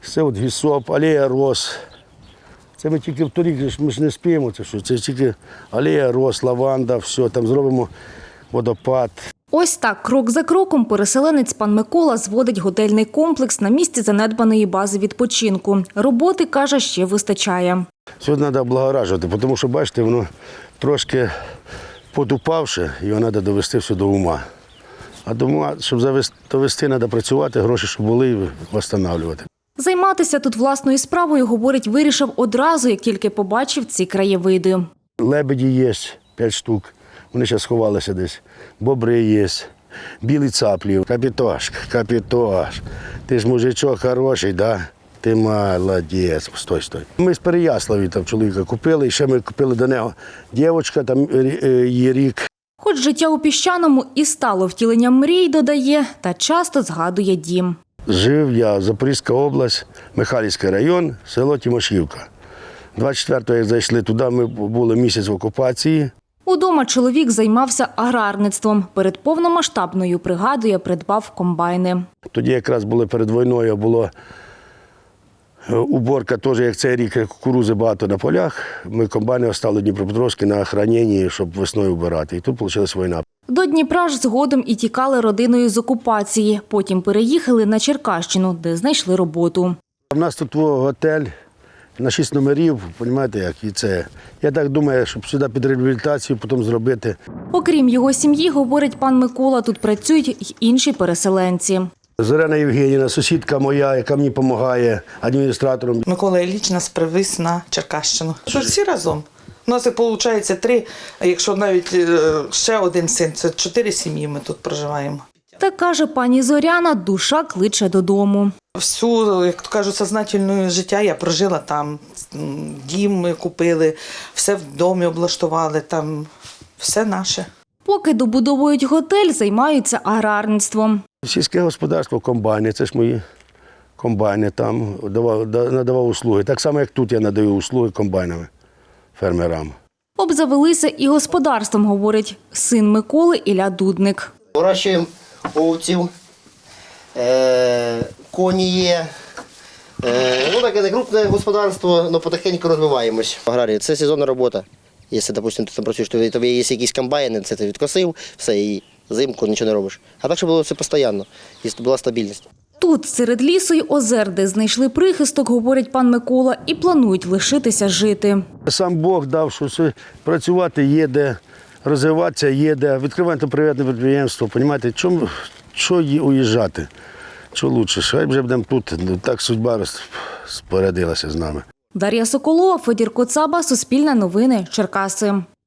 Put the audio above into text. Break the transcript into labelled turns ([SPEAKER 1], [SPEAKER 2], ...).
[SPEAKER 1] Це от гісоп, алея роз. Це ми тільки вторік, ми ж не спіємо, це тільки алея роз, лаванда, все, там зробимо водопад.
[SPEAKER 2] Ось так, крок за кроком, переселенець пан Микола зводить готельний комплекс на місці занедбаної бази відпочинку. Роботи, каже, ще вистачає.
[SPEAKER 1] Сьогодні треба облагоражувати, тому що, бачите, воно трошки подупавше, його треба довести все до ума. А до ума, щоб довести, треба працювати, гроші, щоб були, і відновлювати.
[SPEAKER 2] Займатися тут власною справою, говорить, вирішив одразу, як тільки побачив ці краєвиди.
[SPEAKER 1] Лебеді є 5 штук, вони зараз сховалися десь. Бобри є, білі цаплі. Капітош, ти ж мужичок хороший, да? Ти молодець, стой. Ми з Переяславі там чоловіка купили, і ще ми купили до нього дівчинка, там її рік.
[SPEAKER 2] Хоч життя у Піщаному і стало втіленням мрій, додає, та часто згадує дім.
[SPEAKER 1] Жив я, Запорізька область, Михайлівський район, село Тимошівка. 24-го, як зайшли туди, ми були місяць в окупації.
[SPEAKER 2] Удома чоловік займався аграрництвом. Перед повномасштабною, пригадує, придбав комбайни.
[SPEAKER 1] Тоді якраз були перед війною, була уборка, теж, як цей рік, кукурузи багато на полях. Ми комбайни оставили Дніпропетровські на охороненні, щоб весною вбирати. І тут вийшла війна.
[SPEAKER 2] До Дніпра ж згодом і тікали родиною з окупації. Потім переїхали на Черкащину, де знайшли роботу.
[SPEAKER 1] У нас тут готель на 6 номерів, розумієте, як і це. Я так думаю, щоб сюди під реабілітацію потім зробити.
[SPEAKER 2] Окрім його сім'ї, говорить пан Микола, тут працюють й інші переселенці.
[SPEAKER 1] Зоряна Євгенівна, сусідка моя, яка мені допомагає адміністратором.
[SPEAKER 3] Микола Ілліч нас привіз на Черкащину. Що всі разом. У нас, виходить, 3, а якщо навіть ще один син, це 4 сім'ї ми тут проживаємо.
[SPEAKER 2] Та, каже пані Зоряна, душа кличе додому.
[SPEAKER 3] Всю, як то кажуть, сознательне життя я прожила там. Дім ми купили, все в домі облаштували, там все наше.
[SPEAKER 2] Поки добудовують готель, займаються аграрництвом.
[SPEAKER 1] Сільське господарство, комбайни, це ж мої комбайни там, надавав услуги. Так само, як тут я надаю услуги комбайнами фермерам.
[SPEAKER 2] Обзавелися і господарством, говорить син Миколи Ілля Дудник.
[SPEAKER 4] Вирощуємо овців, коні є. Таке не крупне господарство, але потихеньку розвиваємось. Аграрія – це сезонна робота. Якщо, допустим, ти там працюєш, то тобі є якісь комбайни, це ти відкосив, все, і зимку нічого не робиш. А так, щоб було все постійно, і була стабільність.
[SPEAKER 2] Тут, серед лісу й озер, де знайшли прихисток, говорить пан Микола, і планують лишитися жити.
[SPEAKER 1] Сам Бог дав, що працювати є де, розвиватися є де, відкривати приватне підприємство, розумієте, що уїжджати, що краще, хай вже будемо тут, так судьба розпорядилася з нами.
[SPEAKER 2] Дар'я Соколова, Федір Коцаба, Суспільне новини, Черкаси.